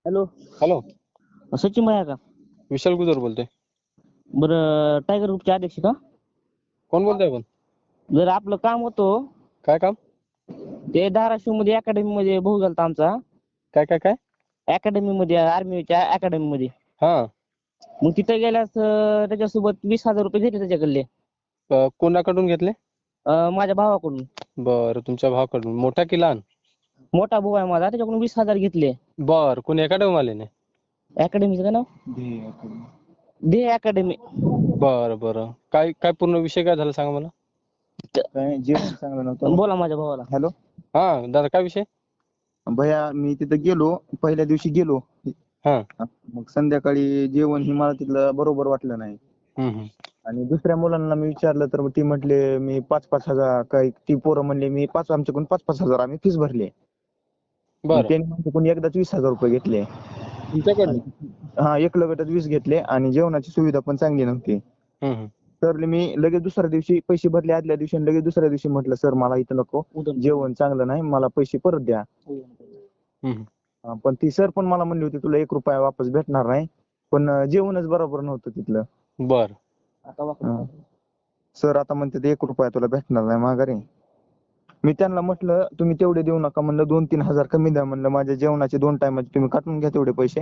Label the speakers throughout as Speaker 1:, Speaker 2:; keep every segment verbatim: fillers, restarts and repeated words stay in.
Speaker 1: Hello.
Speaker 2: Hello.
Speaker 1: Sachin भैया का?
Speaker 2: विशाल गुजर बोलतोय.
Speaker 1: बरं, टायगर ग्रुपचे अध्यक्ष का?
Speaker 2: कोण बोलतोय आपण?
Speaker 1: जर आपलं काम होतं,
Speaker 2: काय काम?
Speaker 1: ते धाराशिव मध्ये अकॅडमी मध्ये भाऊ झालता आमचा.
Speaker 2: काय काय काय?
Speaker 1: अकॅडमी मध्ये, आर्मीच्या अकॅडमी मध्ये.
Speaker 2: हा.
Speaker 1: मग तिथे गेल्यास अं, त्याच्यासोबत वीस हजार रुपये घेतले त्याच्याकडले.
Speaker 2: अ, कोणाकडून घेतले?
Speaker 1: अं, माझ्या भावाकडून.
Speaker 2: बरं, तुमच्या भावाकडून. मोठा की लहान?
Speaker 1: मोठा भाऊ आहे माझा, त्याच्याकडून वीस हजार घेतले.
Speaker 2: बर, कोणी अकॅडमी वाल्याने?
Speaker 1: अकॅडमीचं काय नाव? दे अकॅडमी.
Speaker 2: बरं बरं, काय काय पूर्ण विषय काय झाला सांगा मला.
Speaker 3: काय जेवण चांगलं नव्हतं.
Speaker 1: बोला माझ्या भावाला.
Speaker 3: हॅलो.
Speaker 2: हा दादा, काय विषय?
Speaker 3: भैया मी तिथं गेलो, पहिल्या दिवशी गेलो.
Speaker 2: हा.
Speaker 3: मग संध्याकाळी जेवण ही मला तिथलं बरोबर वाटलं नाही.
Speaker 2: हम्म, हम्म.
Speaker 3: आणि दुसऱ्या मुलांना मी विचारलं तर ती म्हटले मी पाच पाच हजार, काही ती पोरं म्हणले मी पाच आमच्याकडून पाच पाच हजार आम्ही फीस भरली.
Speaker 2: बरं,
Speaker 3: त्यांनी माझ्याकडून एकदाच वीस हजार रुपये घेतले.
Speaker 2: तुमच्याकडनं?
Speaker 3: हा, एक लगटच वीस घेतले आणि जेवणाची सुविधा पण चांगली नव्हती.
Speaker 2: हम्म, हम्म.
Speaker 3: तर मी लगेच दुसऱ्या दिवशी पैसे भरले आदल्या दिवशी आणि लगेच दुसऱ्या दिवशी म्हटलं सर मला इथं नको, जेवण चांगलं नाही, मला पैसे परत द्या.
Speaker 2: हम्म.
Speaker 3: हा, पण ती सर पण मला म्हणली होती तुला एक रुपया वापस भेटणार नाही, पण अं, जेवणच बरोबर नव्हतं तिथलं.
Speaker 2: बर.
Speaker 3: हा. सर आता म्हणते एक रुपया तुला भेटणार नाही माघारी. मी त्यांना म्हटलं तुम्ही तेवढे देऊ नका, म्हणलं दोन तीन हजार कमी द्या, म्हणलं माझ्या जेवणाचे दोन टायमाचे तुम्ही काटून घ्या तेवढे पैसे.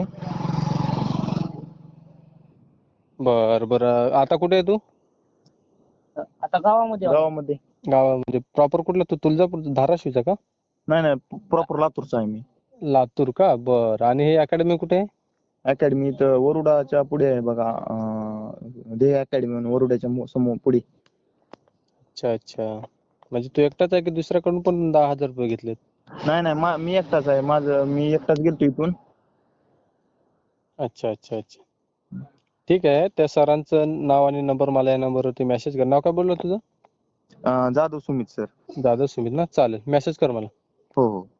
Speaker 2: बर बर, आता कुठे आहे तू?
Speaker 1: आता गावामध्ये आहो.
Speaker 3: गावामध्ये.
Speaker 2: गावामध्ये. प्रॉपर कुठला तू? तुळजापूर, धाराशिवचा का?
Speaker 3: नाही नाही, प्रॉपर लातूरचा आहे मी.
Speaker 2: लातूर का? बर. आणि हे अकॅडमी कुठे आहे?
Speaker 3: अकॅडमी इथं वरुडाच्या पुढे आहे बघा, अं, ध्येय अकॅडमी म्हणून वरुडाच्या मो- समोर पुढे.
Speaker 2: अच्छा अच्छा, म्हणजे तू एकटाच आहे की दुसऱ्याकडून पण दहा हजार रुपये घेतलेत?
Speaker 3: नाही नाही, मा- मी एकटाच आहे. माझं मी एकटाच गेलतो इथून.
Speaker 2: अच्छा अच्छा अच्छा, ठीक आहे. त्या सरांचं नाव आणि नंबर मला या नंबरवरती मेसेज कर. नाव काय बोललं तुझं?
Speaker 3: अं, जाधव सुमित सर.
Speaker 2: दादा सुमित ना? चालेल, मेसेज कर मला.
Speaker 3: हो हो.